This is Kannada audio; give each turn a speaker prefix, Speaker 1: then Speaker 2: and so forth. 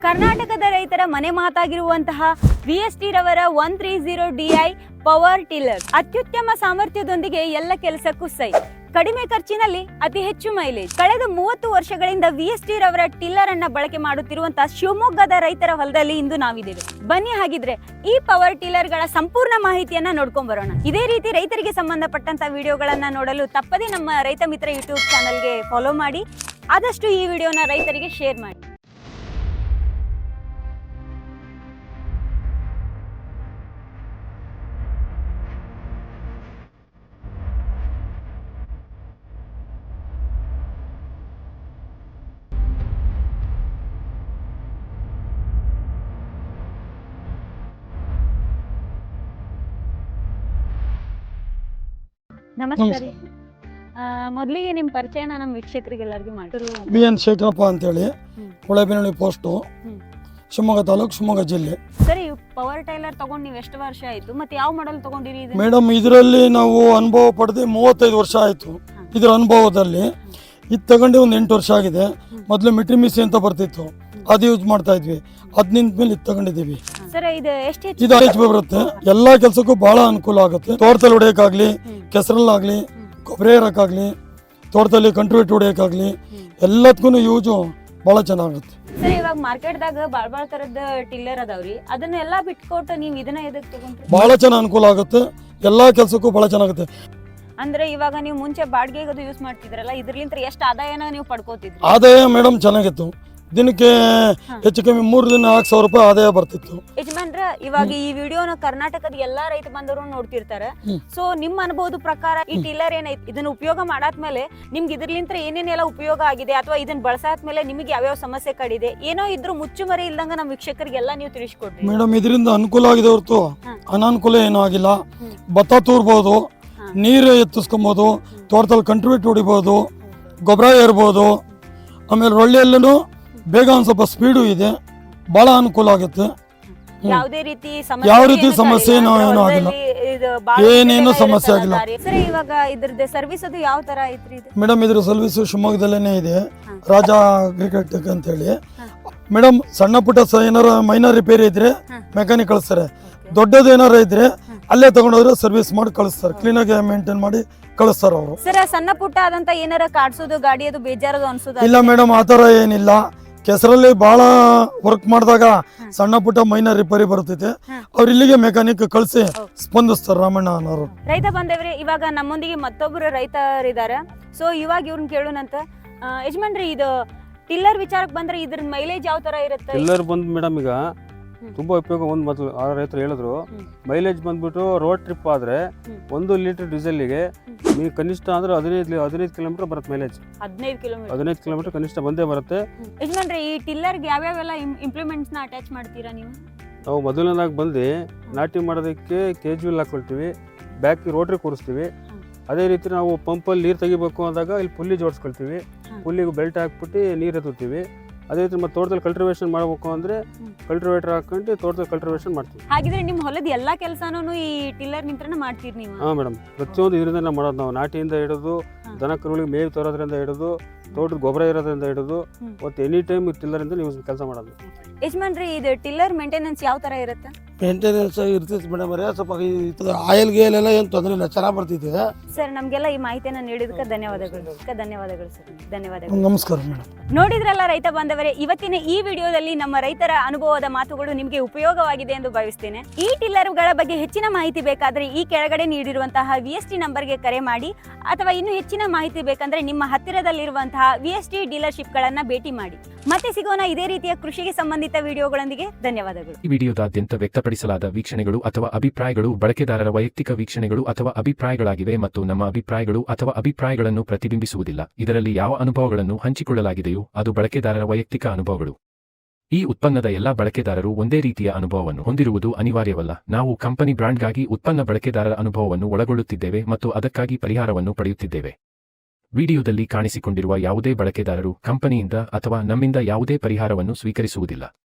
Speaker 1: ಕರ್ನಾಟಕದ ರೈತರ ಮನೆ ಮಾತಾಗಿರುವಂತಹ VST ರವರ 130 DI ಪವರ್ ಟಿಲ್ಲರ್ ಅತ್ಯುತ್ತಮ ಸಾಮರ್ಥ್ಯದೊಂದಿಗೆ ಎಲ್ಲ ಕೆಲಸಕ್ಕೂ ಸೈ, ಕಡಿಮೆ ಖರ್ಚಿನಲ್ಲಿ ಅತಿ ಹೆಚ್ಚು ಮೈಲೇಜ್. ಕಳೆದ 30 ವರ್ಷಗಳಿಂದ VST ರವರ ಟಿಲ್ಲರ್ ಅನ್ನ ಬಳಕೆ ಮಾಡುತ್ತಿರುವಂತಹ ಶಿವಮೊಗ್ಗದ ರೈತರ ಹೊಲದಲ್ಲಿ ಇಂದು ನಾವಿದ್ದೇವೆ. ಬನ್ನಿ ಹಾಗಿದ್ರೆ ಈ ಪವರ್ ಟಿಲ್ಲರ್ ಗಳ ಸಂಪೂರ್ಣ ಮಾಹಿತಿಯನ್ನ ನೋಡ್ಕೊಂಡ್ ಬರೋಣ. ಇದೇ ರೀತಿ ರೈತರಿಗೆ ಸಂಬಂಧಪಟ್ಟಂತ ವಿಡಿಯೋಗಳನ್ನ ನೋಡಲು ತಪ್ಪದೇ ನಮ್ಮ ರೈತ ಮಿತ್ರ ಯೂಟ್ಯೂಬ್ ಚಾನಲ್ಗೆ ಫಾಲೋ ಮಾಡಿ, ಆದಷ್ಟು ಈ ವಿಡಿಯೋನ ರೈತರಿಗೆ ಶೇರ್ ಮಾಡಿ. ನಮಸ್ಕಾರ. ಮೊದಲಿಗೆ ನಿಮ್ಮ ಪರಿಚಯನ ನಮ್ಮ ವೀಕ್ಷಕರಿಗೆಲ್ಲರಿಗೂ ಮಾಡಿ.
Speaker 2: BN ಶೇಖರಪ್ಪ ಅಂತೇಳಿ, ಹೊಳೆಬೆನ್ನಳ್ಳಿ ಪೋಸ್ಟು, ಶಿವಮೊಗ್ಗ ತಾಲೂಕು, ಶಿವಮೊಗ್ಗ ಜಿಲ್ಲೆ.
Speaker 1: ಸರಿ, ಪವರ್ ಟೈಲರ್ ತಗೊಂಡು ನೀವು ಎಷ್ಟು ವರ್ಷ ಆಯ್ತು ಮತ್ತೆ ಯಾವ ಮಾಡೆಲ್ ತಗೊಂಡಿರಿ?
Speaker 2: ಮೇಡಮ್, ಇದರಲ್ಲಿ ನಾವು ಅನುಭವ ಪಡೆದು 35 ವರ್ಷ ಆಯ್ತು. ಇದರ ಅನುಭವದಲ್ಲಿ ಇದು ತಗೊಂಡು ಒಂದು 8 ವರ್ಷ ಆಗಿದೆ. ಮೊದಲು ಮಿಟ್ರಿಮಿಸಿ ಅಂತ ಬರ್ತಿತ್ತು, ಅದು ಯೂಸ್ ಮಾಡ್ತಾ ಇದ್ವಿ. ಅದ್ ನಿಂತ ಮೇಲೆ ಇದು ತಗೊಂಡಿದ್ದೀವಿ. ಇದು HP ಬರುತ್ತೆ. ಎಲ್ಲಾ ಕೆಲ್ಸಕ್ಕೂ ಬಹಳ ಅನುಕೂಲ ಆಗುತ್ತೆ. ತೋಟದಲ್ಲಿ ಹೊಡೆಯಕ್ಕಾಗ್ಲಿ, ಕೆಸರಲ್ಲಾಗ್ಲಿ, ಗೊಬ್ಬರ ಇರಕ್ಕಾಗ್ಲಿ, ತೋಟದಲ್ಲಿ ಕಂಟ್ರಿಬ್ಯೂಟ್ ಹೊಡೆಯಕ್ಕಾಗ್ಲಿ, ಎಲ್ಲದಕ್ಕೂ ಯೂಸು ಬಹಳ ಚೆನ್ನಾಗುತ್ತೆ.
Speaker 1: ಸರ್, ಇವಾಗ ಮಾರ್ಕೆಟ್ದಾಗ ಬಾಳ ತರದ ಟಿಲ್ಲರ್ ಅದಾವ್ರಿ, ಅದನ್ನೆಲ್ಲ ಬಿಟ್ಕೊಟ್ಟು ನೀವು ಇದನ್ನ ಎದಕ್ ತಗೊಂಡ್ರಿ?
Speaker 2: ಬಹಳ ಚೆನ್ನಾಗಿ ಅನುಕೂಲ ಆಗುತ್ತೆ. ಎಲ್ಲಾ ಕೆಲ್ಸಕ್ಕೂ ಬಹಳ ಚೆನ್ನಾಗುತ್ತೆ.
Speaker 1: ಅಂದ್ರೆ ಇವಾಗ ನೀವು ಮುಂಚೆ ಬಾಡಿಗೆಗೆ ಅದು ಯೂಸ್ ಮಾಡ್ತಿದ್ರಲ್ಲ, ಇದ್ರಲಿಂತ ಎಷ್ಟು ಆದಾಯನ ನೀವು ಪಡ್ಕೋತಿದ್ರಿ?
Speaker 2: ಆದಾಯ ಮೇಡಮ್ ಚೆನ್ನಾಗಿತ್ತು. ದಿನಕ್ಕೆ ಹೆಚ್ಚು ಕಮ್ಮಿ 3 ದಿನ 4,000 ರೂಪಾಯಿ ಆದಾಯ ಬರ್ತಿತ್ತು.
Speaker 1: ಯಜಮಾನ್ರ, ಇವಾಗ ಈ ವಿಡಿಯೋನ ಕರ್ನಾಟಕದ ಎಲ್ಲಾ ರೈತ ಬಂದವರು ನೋಡ್ತಿರ್ತಾರೆ. ಸೊ ನಿಮ್ಮ ಅನುಭವದ ಪ್ರಕಾರ ಈ ಟಿಲ್ಲರ್ ಏನೈತಿ, ಇದನ್ನ ಉಪಯೋಗ ಮಾಡಾದ್ಮೇಲೆ ನಿಮ್ಗೆ ಇದ್ರಲಿಂತ ಏನೇನೆಲ್ಲ ಉಪಯೋಗ ಆಗಿದೆ, ಅಥವಾ ಇದನ್ನ ಬಳಸಾದ್ಮೇಲೆ ನಿಮಗೆ ಯಾವ್ಯಾವ ಸಮಸ್ಯೆ ಕಡಿದೆ, ಏನೋ ಇದ್ರು ಮುಚ್ಚುಮರೆ ಇಲ್ದಂಗ ನಮ್ಮ ವೀಕ್ಷಕರಿಗೆಲ್ಲ ನೀವು ತಿಳಿಸ್ಕೊಡ್ರಿ.
Speaker 2: ಮೇಡಮ್, ಇದರಿಂದ ಅನುಕೂಲ ಆಗಿದೆ ಹೊರತು ಅನಾನುಕೂಲ ಏನೂ ಆಗಿಲ್ಲ. ಭತ್ತ ತೂರ್ಬೋದು, ನೀರು ಎತ್ತಿಸ್ಕೊಬೋದು, ತೋಟದಲ್ಲಿ ಕಂಟ್ರಿಬ್ಯೂಟ್ ಹೊಡಿಬೋದು, ಗೊಬ್ಬರ ಏರ್ಬೋದು. ಆಮೇಲೆ ರೊಳ್ಳಿಯಲ್ಲೂ ಬೇಗ ಒಂದು ಸ್ವಲ್ಪ ಸ್ಪೀಡು ಇದೆ, ಬಹಳ ಅನುಕೂಲ ಆಗುತ್ತೆ.
Speaker 1: ಯಾವುದೇ ರೀತಿ
Speaker 2: ಸಮಸ್ಯೆ ಏನೂ ಆಗಿಲ್ಲ, ಏನೇನು ಸಮಸ್ಯೆ ಆಗಿಲ್ಲ.
Speaker 1: ಸರ್, ಇವಾಗ ಇದ್ರದ್ದು ಸರ್ವಿಸ್ ಅದು ಯಾವ ತರ ಐತ್ರಿ?
Speaker 2: ಮೇಡಮ್, ಇದ್ರ ಸರ್ವಿಸ್ ಶಿವಮೊಗ್ಗದಲ್ಲೇನೆ ಇದೆ, ರಾಜಾ ಅಗ್ರಿಕಲ್ಟೆಕ್ ಅಂತ ಹೇಳಿ. ಮೇಡಮ್, ಸಣ್ಣ ಪುಟ್ಟ ಏನಾರ ಮೈನರ್ ರಿಪೇರಿ ಇದ್ರೆ ಮೆಕ್ಯಾನಿಕ್ ಕಳಿಸ್ತಾರೆ. ದೊಡ್ಡದು ಏನಾರ ಇದ್ರೆ ಅಲ್ಲೇ ತಗೊಂಡೋದ್ರೆ ಸರ್ವಿಸ್ ಮಾಡಿ ಕಳಿಸ್ತಾರೆ. ಕ್ಲೀನ್ ಆಗಿ ಮೇಂಟೈನ್ ಮಾಡಿ ಕಳಿಸ್ತಾರ ಅವರು.
Speaker 1: ಸರ್, ಸಣ್ಣ ಪುಟ್ಟ ಆದಂತ ಏನಾರ ಕಾಡ್ಸೋದು, ಗಾಡಿ ಅದು ಬೇಜಾರದು ಅನ್ಸೋದು?
Speaker 2: ಇಲ್ಲ ಮೇಡಮ್, ಆತರ ಏನಿಲ್ಲ. ಕೆಸರಲ್ಲಿ ಬಹಳ ವರ್ಕ್ ಮಾಡಿದಾಗ ಸಣ್ಣ ಪುಟ್ಟ ಮೈನರ್ ರಿಪೇರಿ ಬರ್ತೈತೆ, ಅವ್ರು ಇಲ್ಲಿಗೆ ಮೆಕ್ಯಾನಿಕ್ ಕಳಿಸಿ ಸ್ಪಂದಿಸ್ತಾರೆ. ರಾಮಣ್ಣ ಅನ್ನೋರು.
Speaker 1: ರೈತ ಬಂದೇವ್ರಿ, ಇವಾಗ ನಮ್ಮೊಂದಿಗೆ ಮತ್ತೊಬ್ರು ರೈತರಿದ್ದಾರೆ. ಸೊ ಇವಾಗ ಇವ್ರನ್ನ ಕೇಳೋಣಂತ. ಯಜಮಾನ್ರಿ, ಇದು ಟಿಲ್ಲರ್ ವಿಚಾರಕ್ಕೆ ಬಂದ್ರೆ ಇದ್ರ ಮೈಲೇಜ್ ಯಾವ ತರ ಇರುತ್ತೆ?
Speaker 3: ಟಿಲ್ಲರ್ ಬಂದ್ ಮೇಡಮ್, ಈಗ ತುಂಬಾ ಉಪಯೋಗ. ಒಂದು ಮೊದಲು ಆ ರೈತರು ಹೇಳಿದ್ರು, ಮೈಲೇಜ್ ಬಂದ್ಬಿಟ್ಟು ರೋಡ್ ಟ್ರಿಪ್ ಆದ್ರೆ 1 ಲೀಟರ್ ಡೀಸೆಲ್ಗೆ ನೀವು ಕನಿಷ್ಠ ಅಂದ್ರೆ 15 ಕಿಲೋಮೀಟರ್ ಬರುತ್ತೆ ಮೈಲೇಜ್. 15 ಕಿಲೋಮೀಟರ್ ಕನಿಷ್ಠ ಬಂದೇ ಬರುತ್ತೆ.
Speaker 1: ಯಜಮಾನ್ರಿ, ಈ ಟಿಲ್ಲರ್ಗೆ ಯಾವ್ಯಾವೆಲ್ಲ ಇಂಪ್ಲಿಮೆಂಟ್ಸ್ ನ ಅಟ್ಯಾಚ್ ಮಾಡ್ತೀರಾ ನೀವು?
Speaker 3: ನಾವು ಮೊದಲನೇದಾಗಿ ಬಂದು ನಾಟಿ ಮಾಡೋದಕ್ಕೆ ಕೇಜುವಲ್ ಹಾಕೊಳ್ತೀವಿ, ಬ್ಯಾಕ್ ರೋಟ್ರಿ ಕೂರಿಸ್ತೀವಿ. ಅದೇ ರೀತಿ ನಾವು ಪಂಪಲ್ಲಿ ನೀರು ತೆಗಿಬೇಕು ಅಂದಾಗ ಇಲ್ಲಿ ಪುಲ್ಲಿ ಜೋಡಿಸ್ಕೊಳ್ತೀವಿ, ಪುಲ್ಲಿಗೆ ಬೆಲ್ಟ್ ಹಾಕ್ಬಿಟ್ಟು ನೀರು ಎತ್ತುತ್ತೀವಿ. ಅದೇ ರೀತಿ ಮತ್ತೆ ತೋಟದಲ್ಲಿ ಕಲ್ಟಿವೇಶನ್ ಮಾಡಬೇಕು ಅಂದ್ರೆ ಕಲ್ಟಿವೇಟರ್ ಹಾಕೊಂಡು ತೋಟದಲ್ಲಿ ಕಲ್ಟಿವೇಶನ್ ಮಾಡ್ತೀವಿ.
Speaker 1: ಹಾಗಿದ್ರೆ ನಿಮ್ಮ ಹೊಲದ ಎಲ್ಲಾ ಕೆಲಸನೂ ಈ ಟಿಲ್ಲರ್ ನಿಂತ್ರನೇ ಮಾಡ್ತೀರಿ ನೀವು?
Speaker 3: ಹಾ ಮೇಡಮ್, ಪ್ರತಿಯೊಂದು ಇದರಿಂದ ಮಾಡೋದು. ನಾವು ನಾಟಿಯಿಂದ ಹಿಡಿದು ದನ ಕರುಗಳಿಗೆ ಮೇವು ತರೋದ್ರಿಂದ ಹಿಡಿದು ತೋಟದ ಗೊಬ್ಬರ ಇರೋದ್ರಿಂದ ಹಿಡಿದು ಮತ್ತೆ ಎನಿ ಟೈಮ್ ಟಿಲ್ಲರ್ ಇಂದ ನೀವು ಕೆಲಸ ಮಾಡೋದು.
Speaker 1: ಯಜಮಾನ್ರಿ, ಇದು ಟಿಲ್ಲರ್ ಮೇಂಟೆನೆನ್ಸ್ ಯಾವ ತರ ಇರುತ್ತೆ?
Speaker 4: ಮೇಂಟೆನೆನ್ಸ್ ಇರ್ತೈತಿ ಮೇಡಮ್, ಸ್ವಲ್ಪ ಆಯಿಲ್ ಗೇಲ್ ಎಲ್ಲ ಏನು ತೊಂದರೆ ಇಲ್ಲ, ಚೆನ್ನಾಗಿ ಬರ್ತಿದೆ.
Speaker 1: ಸರ್, ನಮ್ಗೆಲ್ಲ ಈ ಮಾಹಿತಿಯನ್ನ ನೀಡಿದಕ್ಕೆ ಧನ್ಯವಾದಗಳು. ಧನ್ಯವಾದಗಳು ಸರ್, ಧನ್ಯವಾದಗಳು.
Speaker 2: ನಮಸ್ಕಾರ ಮೇಡಮ್.
Speaker 1: ನೋಡಿದ್ರಲ್ಲ ರೈತ ಬಾಂಧವರೇ, ಇವತ್ತಿನ ಈ ವಿಡಿಯೋದಲ್ಲಿ ನಮ್ಮ ರೈತರ ಅನುಭವದ ಮಾತುಗಳು ನಿಮಗೆ ಉಪಯೋಗವಾಗಿದೆ ಎಂದು ಭಾವಿಸ್ತೇನೆ. ಈ ಟಿಲ್ಲರ್ಗಳ ಬಗ್ಗೆ ಹೆಚ್ಚಿನ ಮಾಹಿತಿ ಬೇಕಾದ್ರೆ ಈ ಕೆಳಗಡೆ ನೀಡಿರುವಂತಹ VST ನಂಬರ್ಗೆ ಕರೆ ಮಾಡಿ, ಅಥವಾ ಇನ್ನು ಹೆಚ್ಚಿನ ಮಾಹಿತಿ ಬೇಕಂದ್ರೆ ನಿಮ್ಮ ಹತ್ತಿರದಲ್ಲಿರುವಂತಹ VST ಡೀಲರ್ಶಿಪ್ ಗಳನ್ನ ಭೇಟಿ ಮಾಡಿ. ಮತ್ತೆ ಸಿಗೋಣ ಇದೇ ರೀತಿಯ ಕೃಷಿಗೆ ಸಂಬಂಧಿತ ವಿಡಿಯೋಗಳೊಂದಿಗೆ. ಧನ್ಯವಾದಗಳು.
Speaker 5: ಈ ವಿಡಿಯೋದಾದ್ಯಂತ ವ್ಯಕ್ತಪಡಿಸಲಾದ ವೀಕ್ಷಣೆಗಳು ಅಥವಾ ಅಭಿಪ್ರಾಯಗಳು ಬಳಕೆದಾರರ ವೈಯಕ್ತಿಕ ವೀಕ್ಷಣೆಗಳು ಅಥವಾ ಅಭಿಪ್ರಾಯಗಳಾಗಿವೆ ಮತ್ತು ನಮ್ಮ ಅಭಿಪ್ರಾಯಗಳು ಅಥವಾ ಅಭಿಪ್ರಾಯಗಳನ್ನು ಪ್ರತಿಬಿಂಬಿಸುವುದಿಲ್ಲ. ಇದರಲ್ಲಿ ಯಾವ ಅನುಭವಗಳನ್ನು ಹಂಚಿಕೊಳ್ಳಲಾಗಿದೆಯೋ ಅದು ಬಳಕೆದಾರರ ವೈಯಕ್ತಿಕ ಅನುಭವಗಳು. ಈ ಉತ್ಪನ್ನದ ಎಲ್ಲಾ ಬಳಕೆದಾರರು ಒಂದೇ ರೀತಿಯ ಅನುಭವವನ್ನು ಹೊಂದಿರುವುದು ಅನಿವಾರ್ಯವಲ್ಲ. ನಾವು ಕಂಪನಿ ಬ್ರಾಂಡ್ಗಾಗಿ ಉತ್ಪನ್ನ ಬಳಕೆದಾರರ ಅನುಭವವನ್ನು ಒಳಗೊಳ್ಳುತ್ತಿದ್ದೇವೆ ಮತ್ತು ಅದಕ್ಕಾಗಿ ಪರಿಹಾರವನ್ನು ಪಡೆಯುತ್ತಿದ್ದೇವೆ. ವಿಡಿಯೋದಲ್ಲಿ ಕಾಣಿಸಿಕೊಂಡಿರುವ ಯಾವುದೇ ಬಳಕೆದಾರರು ಕಂಪನಿಯಿಂದ ಅಥವಾ ನಮ್ಮಿಂದ ಯಾವುದೇ ಪರಿಹಾರವನ್ನು ಸ್ವೀಕರಿಸುವುದಿಲ್ಲ.